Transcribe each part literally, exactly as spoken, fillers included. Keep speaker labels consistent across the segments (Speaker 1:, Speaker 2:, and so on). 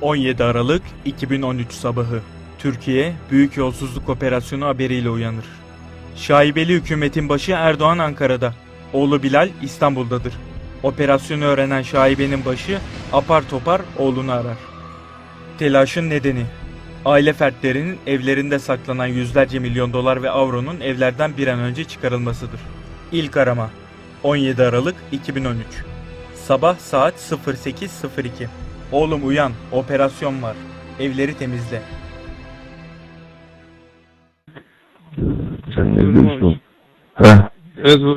Speaker 1: on yedi Aralık iki bin on üç sabahı. Türkiye, büyük yolsuzluk operasyonu haberiyle uyanır. Şaibeli hükümetin başı Erdoğan Ankara'da. Oğlu Bilal İstanbul'dadır. Operasyonu öğrenen şaibenin başı apar topar oğlunu arar. Telaşın nedeni: aile fertlerinin evlerinde saklanan yüzlerce milyon dolar ve avronun evlerden bir an önce çıkarılmasıdır. İlk arama on yedi Aralık iki bin on üç. Sabah saat sıfır sekiz sıfır iki. Oğlum uyan, operasyon var. Evleri temizle.
Speaker 2: Sen ne diyorsun? Ha?
Speaker 3: Evet bu.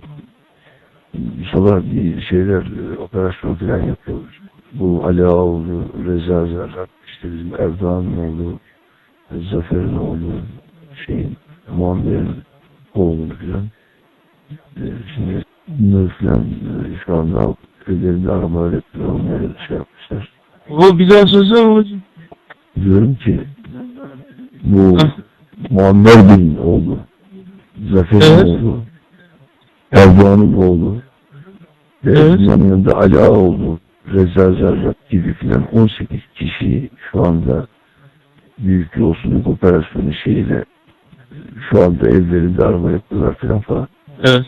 Speaker 2: Sabah bir şeyler, operasyon falan yapıyoruz. Bu Ali Ağaoğlu, Reza Zerrak, işte bizim Erdoğan'ın oğlu, Zafer'in oğlu, şeyin, Muammer'in oğlu falan. Ee, şimdi bunları falan e, şu anda ellerinde aramalar yapıyor, onları şey yapmışlar.
Speaker 3: Bu bir daha söylesene babacığım.
Speaker 2: Diyorum ki, bu Muammer Bey'in oğlu, Zafer'in
Speaker 3: Evet.
Speaker 2: oğlu, Erdoğan'ın oğlu, ve
Speaker 3: Evet.
Speaker 2: bunun yanında Ali Ağaoğlu, Reza Zerrak gibi filan on sekiz kişi şu anda büyük yolsuzluk operasyonu şeyiyle şu anda evlerinde arama yapıyorlar filan falan.
Speaker 3: Evet.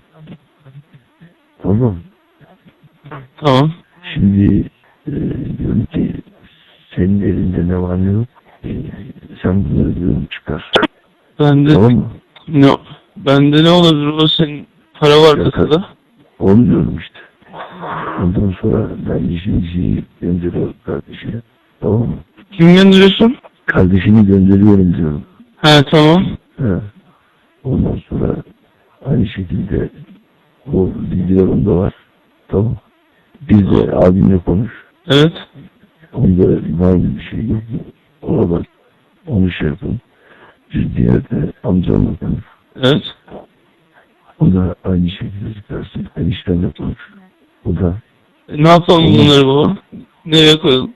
Speaker 2: Tamam.
Speaker 3: Tamam.
Speaker 2: Şimdi e, diyorum ki senin elinde ne var ne yok. E, sen bunları diyorum çıkar.
Speaker 3: Bende
Speaker 2: Tamam mı?
Speaker 3: ne? Bende ne olabilir? O senin para var
Speaker 2: Ya,
Speaker 3: kasada.
Speaker 2: Onu diyorum işte. Ondan sonra ben işimizi gönderiyorum kardeşine. Tamam mı?
Speaker 3: Kim gönderiyorsun?
Speaker 2: Kardeşini gönderiyorum diyorum.
Speaker 3: He tamam.
Speaker 2: He. Ondan sonra aynı şekilde o bilgiler onda var. Tamam. Bir de abimle konuş.
Speaker 3: Evet.
Speaker 2: Onda var mı bir şey yok mu? Ona bak. Onu şey yapın. Bir diğer de amcamla konuş.
Speaker 3: Evet.
Speaker 2: O da aynı şekilde çıkarsın. Eniştenle konuş. O da
Speaker 3: E, ne yapalım bunları baba? Nereye koyalım?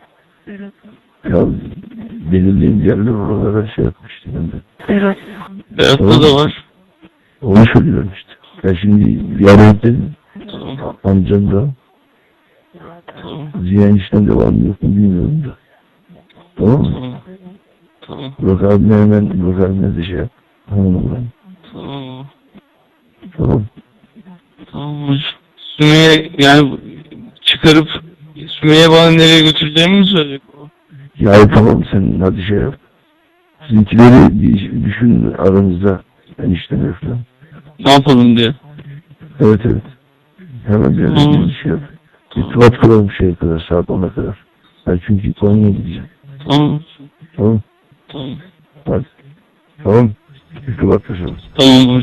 Speaker 2: ya belirleyen yerler oralara şey yapmıştı ben de.
Speaker 3: Berat'ta
Speaker 2: Tamam.
Speaker 3: da var.
Speaker 2: Onu söylüyorum işte. Ben şimdi yarın dedim.
Speaker 3: Tamam.
Speaker 2: Amcam da
Speaker 3: Tamam.
Speaker 2: Ziya enişten de var mı yok mu bilmiyorum da. Tamam mı?
Speaker 3: Tamam. Tamam.
Speaker 2: Burak abine hemen Burak abine de şey yap. Hanım ben.
Speaker 3: Tamam.
Speaker 2: Tamam.
Speaker 3: Tamam hocam. Sümeyye yani çıkarıp Sümeyye bana nereye götüreceğimi mi söyleyecek o?
Speaker 2: Ya tamam sen hadi şey yap. Sizinkileri bir düşün aranızda. Enişten falan.
Speaker 3: Ne yapalım diye.
Speaker 2: Evet evet. Hemen bir
Speaker 3: Tamam.
Speaker 2: bir şey yap. İrtibat kuralım şeye kadar saat ona kadar. Ben çünkü Konya'ya gideceğim.
Speaker 3: Tamam.
Speaker 2: Tamam.
Speaker 3: Tamam.
Speaker 2: Hadi. Tamam. İrtibat kuralım.
Speaker 3: Tamam hocam.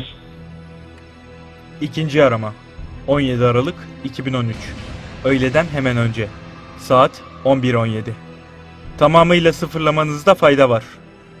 Speaker 1: İkinci arama on yedi Aralık iki bin on üç. Öğleden hemen önce. Saat on bir on yedi. Tamamıyla sıfırlamanızda fayda var.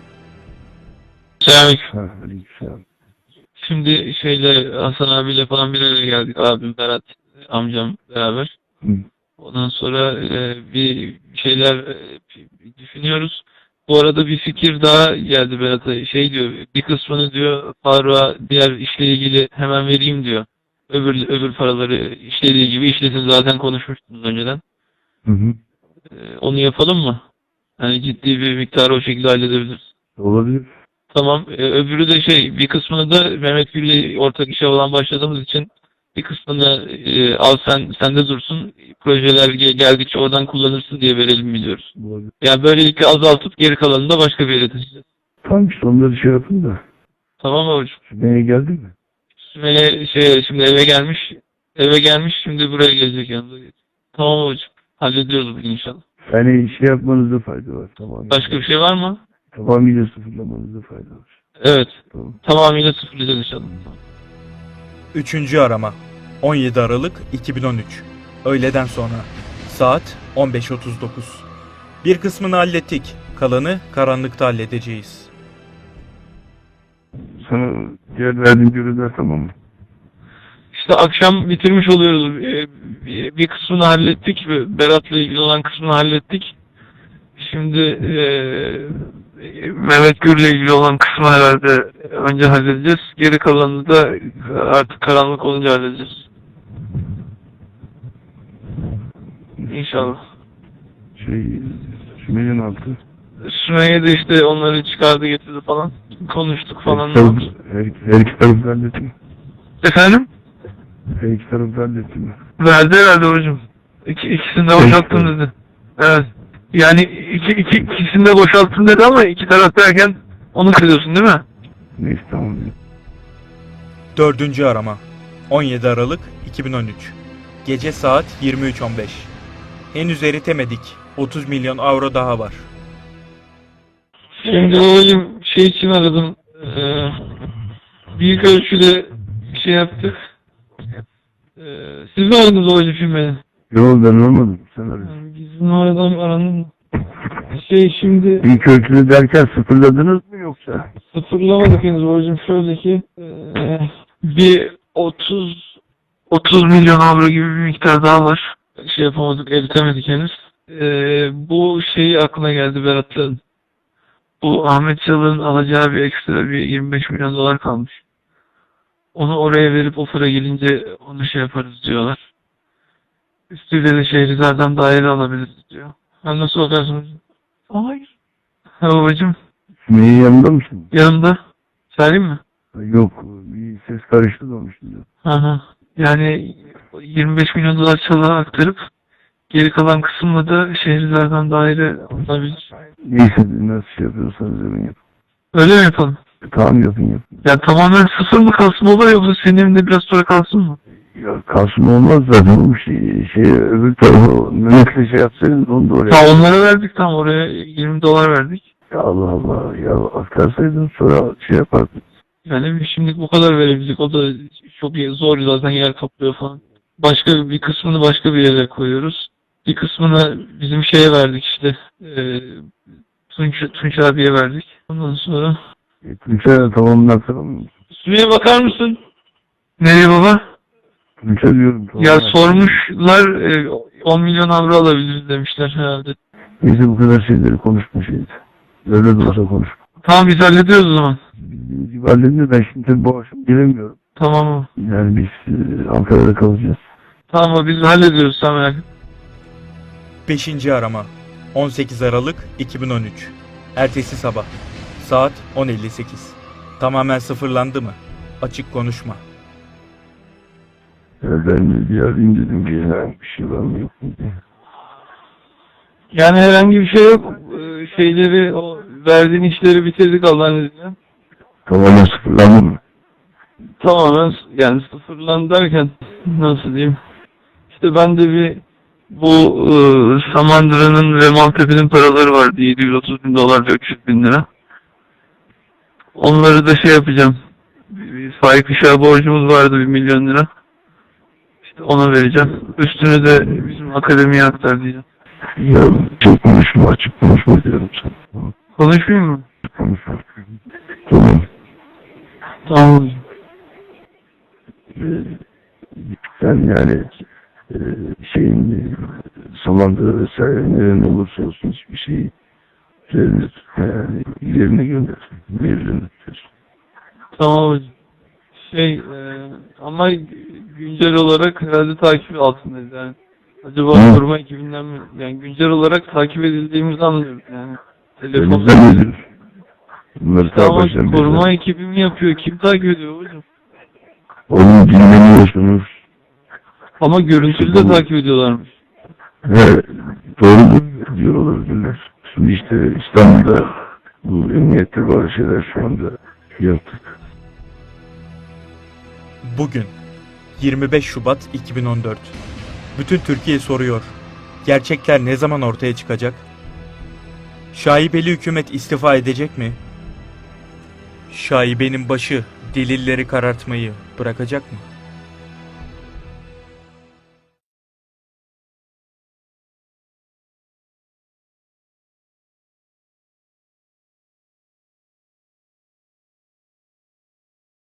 Speaker 3: Selamünaleyküm.
Speaker 2: Ha, aleykümselam.
Speaker 3: Şimdi şeyle Hasan abiyle falan bir araya geldik. Abim, Berat, amcam beraber.
Speaker 2: Hı.
Speaker 3: Ondan sonra e, bir şeyler e, düşünüyoruz. Bu arada bir fikir daha geldi Berat'a. Şey diyor, bir kısmını diyor Faruk'a diğer işle ilgili hemen vereyim diyor. Öbür öbür paraları işlediği gibi işlesin, zaten konuşmuştunuz önceden.
Speaker 2: Hı hı.
Speaker 3: E, onu yapalım mı? Yani ciddi bir miktarı o şekilde halledebiliriz.
Speaker 2: Olabilir.
Speaker 3: Tamam. E, öbürü de şey, bir kısmını da Mehmet Gül'le ortak işe olan başladığımız için bir kısmını e, al sen sende dursun. Projeler ge- geldikçe oradan kullanırsın diye verelim biliyoruz.
Speaker 2: Olabilir.
Speaker 3: Yani böylelikle azaltıp geri kalanını da başka bir yere taşıyacağız.
Speaker 2: Tamam işte onları şey yapın da.
Speaker 3: Tamam mı hocam?
Speaker 2: Sümeyye geldi mi?
Speaker 3: Sümeyye şey şimdi eve gelmiş. Eve gelmiş, şimdi buraya gelecek yanında. Tamam hocam. Hallediyoruz bugün inşallah.
Speaker 2: Yani şey yapmanızda fayda var. Tamam.
Speaker 3: Başka bir şey var mı?
Speaker 2: Tamamıyla sıfırlamanızda fayda var.
Speaker 3: Evet.
Speaker 2: Tamam.
Speaker 3: Tamamıyla sıfırlayacağız inşallah.
Speaker 1: Üçüncü arama on yedi Aralık iki bin on üç. Öğleden sonra. Saat on beş otuz dokuz. Bir kısmını hallettik. Kalanı karanlıkta halledeceğiz.
Speaker 2: Sana diğer verdiğim görevler tamam mı?
Speaker 3: İşte akşam bitirmiş oluyoruz. Ee, Bir bir kısmını hallettik. Berat'la ilgili olan kısmını hallettik. Şimdi eee Mehmet Gür'le ilgili olan kısmı herhalde önce halledeceğiz. Geri kalanını da artık karanlık olunca halledeceğiz. İnşallah.
Speaker 2: Şey, üç milyon altı.
Speaker 3: Sümeyye de işte onları çıkardı getirdi falan. Konuştuk falan.
Speaker 2: Her, taraf, her, her iki tarafı halletti mi?
Speaker 3: Efendim?
Speaker 2: Her iki tarafı halletti mi?
Speaker 3: Verdi herhalde hocam. İki, ikisini de boşalttım dedi. Evet. Yani iki, iki, ikisini de boşalttım dedi ama iki taraf derken onu kırıyorsun değil mi?
Speaker 2: Neyse tamam.
Speaker 1: Dördüncü arama. on yedi Aralık iki bin on üç. Gece saat yirmi üç on beş. Henüz eritemedik. otuz milyon avro daha var.
Speaker 3: Şimdi babacım şey için aradım. Ee, büyük ölçüde şey yaptık. Ee, siz mi aradınız babacım şimdi beni?
Speaker 2: Yok ben olmadım. Sen arıyorsun.
Speaker 3: Yani bizim aradan aranın şey şimdi
Speaker 2: İlk ölçülü derken sıfırladınız mı yoksa?
Speaker 3: sıfırlamadık henüz babacım. Şöyle ki ee, bir otuz otuz milyon avro gibi bir miktar daha var. Şey yapamadık, eritemedik henüz. Ee, bu şey aklına geldi Berat'ın. Bu Ahmet Çalık'ın alacağı bir ekstra bir yirmi beş milyon dolar kalmış. Onu oraya verip o para gelince onu şey yaparız diyorlar. Üstüyle de Şehrizar'dan daire alabiliriz diyor. Ben nasıl bakarsın hocam? Hayır. Ha babacım,
Speaker 2: Sümeyye yanında mısın?
Speaker 3: yanımda. Söyleyeyim mi?
Speaker 2: Yok bir ses karıştı da onun şimdi.
Speaker 3: Hı hı. Yani yirmi beş milyon dolar Çalık'a aktarıp geri kalan kısımla da Şehrizar'dan daire alınabilir.
Speaker 2: Neyse nasıl şey yapıyorsanız yapın yapın.
Speaker 3: Öyle mi yapalım?
Speaker 2: Tamam yapın yapın.
Speaker 3: Ya tamamen sıfır mı kalsın baba yoksa senin evinde biraz sonra kalsın mı?
Speaker 2: Ya kalsın olmaz zaten bu şey, şey öbür tarafı Mehmet'le şey yapsaydınız onu da oraya.
Speaker 3: Ya onlara verdik tam oraya yirmi dolar verdik.
Speaker 2: Ya Allah Allah ya aktarsaydın sonra şey yapardık.
Speaker 3: Yani şimdilik bu kadar verebildik. O da çok zor zaten yer kaplıyor falan. Başka bir kısmını başka bir yere koyuyoruz. Bir kısmını bizim şeye verdik işte. E, Tunç, Tunç abiye verdik. Ondan sonra...
Speaker 2: E, Tunç'a tamamını aktaramıyor musun?
Speaker 3: Sümeyye bakar mısın? Nereye baba?
Speaker 2: Tunç'a diyorum.
Speaker 3: Ya
Speaker 2: tamamını aktaramıyor.
Speaker 3: sormuşlar e, on milyon avro alabiliriz demişler herhalde.
Speaker 2: Neyse bu kadar şeyleri konuşma şeydi. Öyle de olsa konuş.
Speaker 3: Tamam biz hallediyoruz o zaman.
Speaker 2: Biz hallediyor ben şimdi tabii bu akşam gelemiyorum.
Speaker 3: Tamam mı?
Speaker 2: Yani biz e, Ankara'da kalacağız.
Speaker 3: Tamam mı? Biz hallediyoruz sen merak etme.
Speaker 1: Beşinci arama. on sekiz Aralık iki bin on üç. Ertesi sabah. Saat on elli sekiz. Tamamen sıfırlandı mı? Açık konuşma.
Speaker 2: Ya ben bir arayayım dedim ki herhangi bir şey var mı yok mu diye.
Speaker 3: Yani herhangi bir şey yok. Ee, Şeyleri, o verdiğin işleri bitirdik Allah'ın izniyle.
Speaker 2: Tamamen sıfırlandı mı?
Speaker 3: Tamamen yani sıfırlandı derken nasıl diyeyim? İşte ben de bir bu e, Samandıra'nın ve Maltepe'nin paraları vardı. yedi yüz otuz bin dolar ve üç yüz bin lira. Onları da şey yapacağım. Bir, bir Faik Işık'a borcumuz vardı bir milyon lira. İşte ona vereceğim. Üstünü de bizim akademiye aktar diyeceğim.
Speaker 2: Ya çok konuşma açık konuşma diyorum sana.
Speaker 3: Konuşmayayım mı?
Speaker 2: Konuşma. Tamam.
Speaker 3: Tamam hocam.
Speaker 2: Ee, sen yani e, şeyin e, Samandıra vesaire neren olursa olsun hiçbir şeyi üzerine tutma yani ilerine gönder. Ilerine tutuyorsun.
Speaker 3: Tamam hocam. Şey e, ama güncel olarak herhalde takip altındayız yani. Acaba
Speaker 2: Hı.
Speaker 3: koruma ekibinden mi? Yani güncel olarak takip edildiğimizi anlıyoruz yani. Telefon.
Speaker 2: Elimizden nedir? Bunları
Speaker 3: Tamam
Speaker 2: sağ
Speaker 3: koruma
Speaker 2: baştan
Speaker 3: ekibi mi yapıyor? Kim takip ediyor hocam?
Speaker 2: Onu dinlemiyorsunuz.
Speaker 3: Ama görüntülü de takip ediyorlarmış.
Speaker 2: He, doğru diyor olabilirler. Şimdi işte İstanbul'da bu emniyette bazı şeyler şu anda yaptık.
Speaker 1: Bugün yirmi beş Şubat iki bin on dört. Bütün Türkiye soruyor. Gerçekler ne zaman ortaya çıkacak? Şaibeli hükümet istifa edecek mi? Şaibenin başı delilleri karartmayı bırakacak mı?